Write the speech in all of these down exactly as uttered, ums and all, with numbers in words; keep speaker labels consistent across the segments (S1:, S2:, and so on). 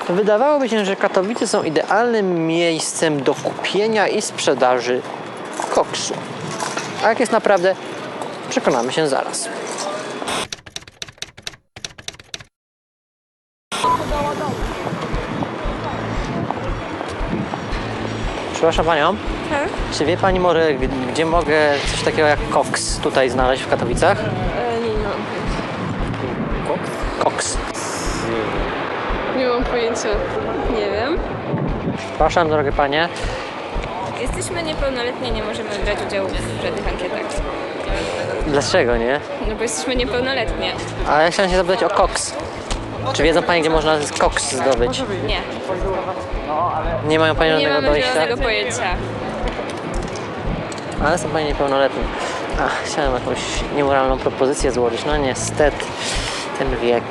S1: Wydawałoby się, że Katowice są idealnym miejscem do kupienia i sprzedaży koksu. A jak jest naprawdę, przekonamy się zaraz. Przepraszam Panią,
S2: Tak?
S1: czy wie Pani może, gdzie mogę coś takiego jak koks tutaj znaleźć w Katowicach?
S2: E, nie, nie mam pojęcia.
S1: Koks.
S2: Nie mam pojęcia. Nie wiem.
S1: Przepraszam, drogie Panie.
S3: Jesteśmy niepełnoletni, nie możemy brać udziału w żadnych ankietach.
S1: Dlaczego nie?
S3: No bo jesteśmy niepełnoletni.
S1: Ale ja chciałem się zapytać o koks. Czy wiedzą Panie, gdzie można koks zdobyć?
S3: Nie.
S1: Nie mają Panie
S3: Nie
S1: żadnego
S3: mamy
S1: dojścia?
S3: żadnego pojęcia.
S1: Ale są Panie niepełnoletni. Ach, chciałem jakąś niemoralną propozycję złożyć. No niestety, ten wiek.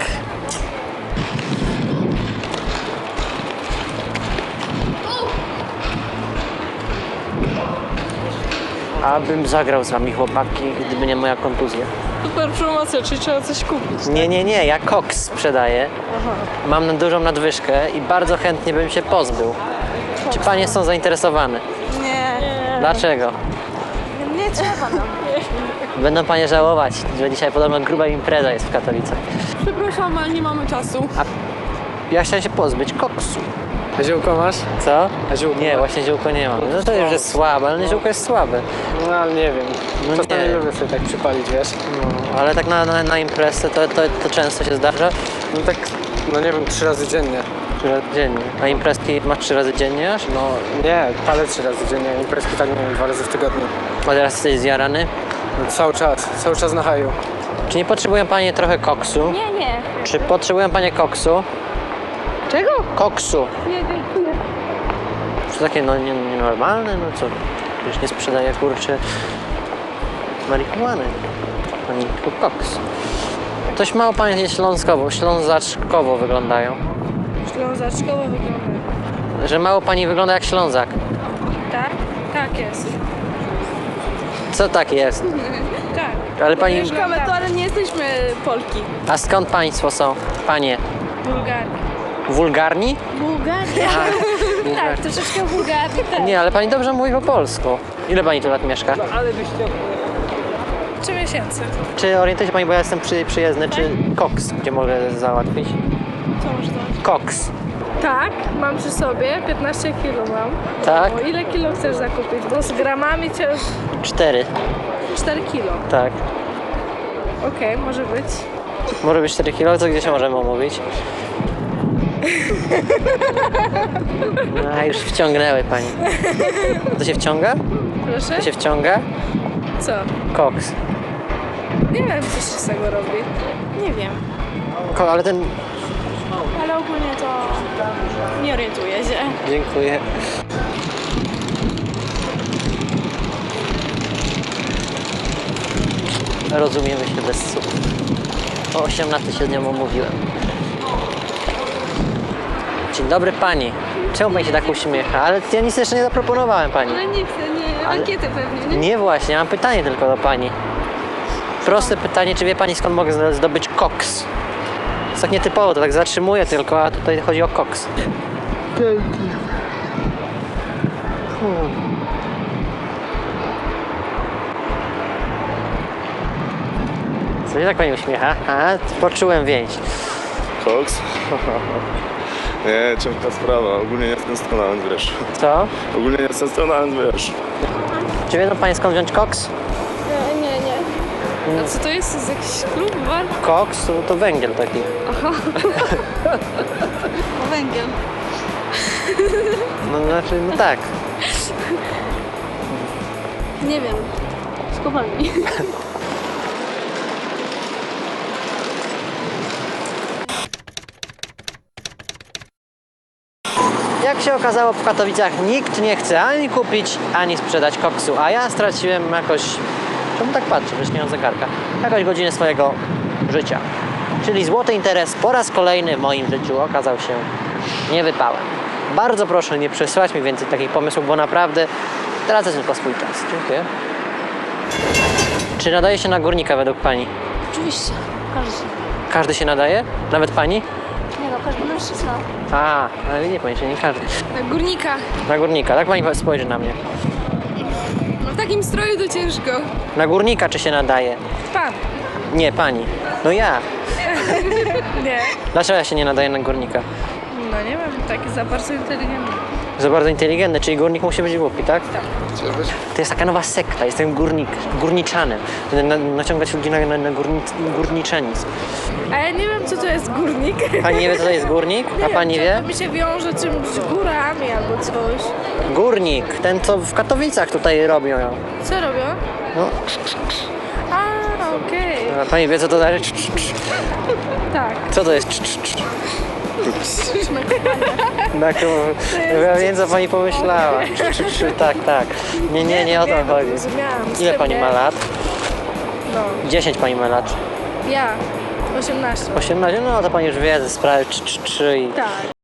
S1: Abym zagrał z Wami, chłopaki, gdyby nie moja kontuzja.
S2: Super promocja, czyli trzeba coś kupić.
S1: Nie, nie, nie, ja koks sprzedaję. Mam na dużą nadwyżkę i bardzo chętnie bym się pozbył. Czy Panie są zainteresowane?
S2: Nie.
S1: Dlaczego?
S2: Nie trzeba nam.
S1: Będą Panie żałować, że dzisiaj podobno gruba impreza jest w Katowicach.
S2: Przepraszam, ale nie mamy czasu.
S1: A ja chciałem się pozbyć koksu.
S4: A ziółko masz?
S1: Co?
S4: A ziółko
S1: Nie,
S4: masz?
S1: właśnie ziółko nie mam. No to już jest słabe, ale ziółko jest słabe.
S4: No ale nie wiem.
S1: No
S4: Czasami
S1: nie.
S4: lubię sobie tak przypalić, wiesz?
S1: No, ale tak na, na, na imprezę to, to, to często się zdarza.
S4: No tak, no nie wiem, trzy razy dziennie.
S1: Trzy razy dziennie. A imprezki masz trzy razy dziennie aż?
S4: No nie, palę trzy razy dziennie, imprezki tak nie wiem, dwa razy w tygodniu.
S1: A teraz jesteś zjarany?
S4: No, cały czas, cały czas na haju.
S1: Czy nie potrzebują Panie trochę koksu?
S3: Nie, nie.
S1: Czy potrzebują Panie koksu?
S2: Czego?
S1: Koksu.
S2: Nie, dziękuję.
S1: To takie no nie- nienormalne, no co? Już nie sprzedaje kurczę marihuany, ani tylko koks. Dość mało Panie śląskowo, ślązaczkowo wyglądają.
S2: Ślązaczkowo wygląda.
S1: Że mało Pani wygląda jak Ślązak.
S2: Tak? Tak jest.
S1: Co tak jest?
S2: Tak.
S1: Ale Pani...
S2: Mieszkamy tu, ale nie jesteśmy Polki.
S1: A skąd Państwo są? Panie?
S2: Bułgarii.
S1: Wulgarni?
S2: Bułgaria? Tak, troszeczkę Bułgarii. Tak.
S1: Nie, ale Pani dobrze mówi po polsku. Ile Pani tu lat mieszka?
S2: Trzy miesięcy.
S1: Czy orientuje się Pani, bo ja jestem przy, przyjezdny, czy koks, gdzie mogę załatwić?
S2: Co może to?
S1: Koks.
S2: Tak, mam przy sobie, piętnaście kilo mam.
S1: Tak?
S2: O, ile kilo chcesz zakupić? Bo z gramami cię
S1: Cztery.
S2: cztery kilo.
S1: Tak.
S2: Okej, może być.
S1: Może być cztery kilo, to gdzie się możemy umówić? No, już wciągnęły Pani. To się wciąga?
S2: Proszę?
S1: To się wciąga?
S2: Co?
S1: Koks.
S2: Nie wiem, co się z tego robi. Nie wiem.
S1: Ko, ale ten...
S2: Ale ogólnie to nie orientuję się.
S1: Dziękuję. Rozumiemy się bez słów. O osiemnastej się z nią umówiłem. Dzień dobry Pani. Czemu Pani się tak uśmiecha? Ale ja nic jeszcze nie zaproponowałem Pani.
S2: Ale nie chcę, nie.
S1: Ale-
S2: Ankiety pewnie, nie?
S1: Nie właśnie, mam pytanie tylko do Pani. Proste pytanie, czy wie Pani skąd mogę zdo- zdobyć koks? Jest tak nietypowo, to tak zatrzymuję tylko, a tutaj chodzi o koks. Hmm. Co się tak Pani uśmiecha? A, poczułem więź.
S5: Koks? Nie, ciężka sprawa. Ogólnie nie jestem strona, więc wiesz.
S1: Co?
S5: Ogólnie nie jestem strona, więc wiesz.
S1: Czy wiedzą Pani skąd wziąć koks?
S2: Nie, nie, nie. A co to jest? To jest jakiś klub, bar?
S1: Koks to, to węgiel taki.
S2: Węgiel.
S1: No znaczy, no tak.
S2: Nie wiem. Z kopalni.
S1: Jak się okazało, w Katowicach nikt nie chce ani kupić, ani sprzedać koksu, a ja straciłem jakoś, czemu tak patrzę, przecież nie mam zegarka, jakąś godzinę swojego życia. Czyli złoty interes po raz kolejny w moim życiu okazał się niewypałem. Bardzo proszę nie przesyłać mi więcej takich pomysłów, bo naprawdę tracę tylko swój czas. Dziękuję. Czy nadaje się na górnika według Pani?
S2: Oczywiście. Każdy.
S1: Każdy się nadaje? Nawet Pani?
S2: Nie no, każdy mężczyzna.
S1: A, ale nie pani, nie każdy.
S2: Na górnika.
S1: Na górnika, tak pani spojrzy na mnie.
S2: No w takim stroju to ciężko.
S1: Na górnika czy się nadaje?
S2: Pan.
S1: Nie, pani. No ja.
S2: Nie.
S1: Dlaczego ja się nie nadaję na górnika?
S2: No nie wiem, taki za bardzo inteligentny.
S1: Za bardzo inteligentny, czyli górnik musi być głupi, tak? Tak. To jest taka nowa sekta, jestem górnik, górniczanem. Będę na, naciągać ludzi na, na, na górni, górniczanizm.
S2: A ja nie wiem, co to jest górnik.
S1: Pani nie wie, co to jest górnik? A pani wie?
S2: To mi się wiąże czymś z górami albo coś.
S1: Górnik, ten co w Katowicach tutaj robią.
S2: Co robią?
S1: No,
S2: A, okej.
S1: a pani wie, co to znaczy?
S2: Tak.
S1: Co to jest? Tak, ja wiem, co pani pomyślała. Tak, tak. Nie, nie, nie o to chodzi.
S2: Zrozumiałam.
S1: Ile pani ma lat?
S2: No.
S1: dziesięć pani ma lat.
S2: Ja. osiemnaście.
S1: osiemnaście, no to pani już wie ze sprawy czy, czy, czy i
S2: Tak.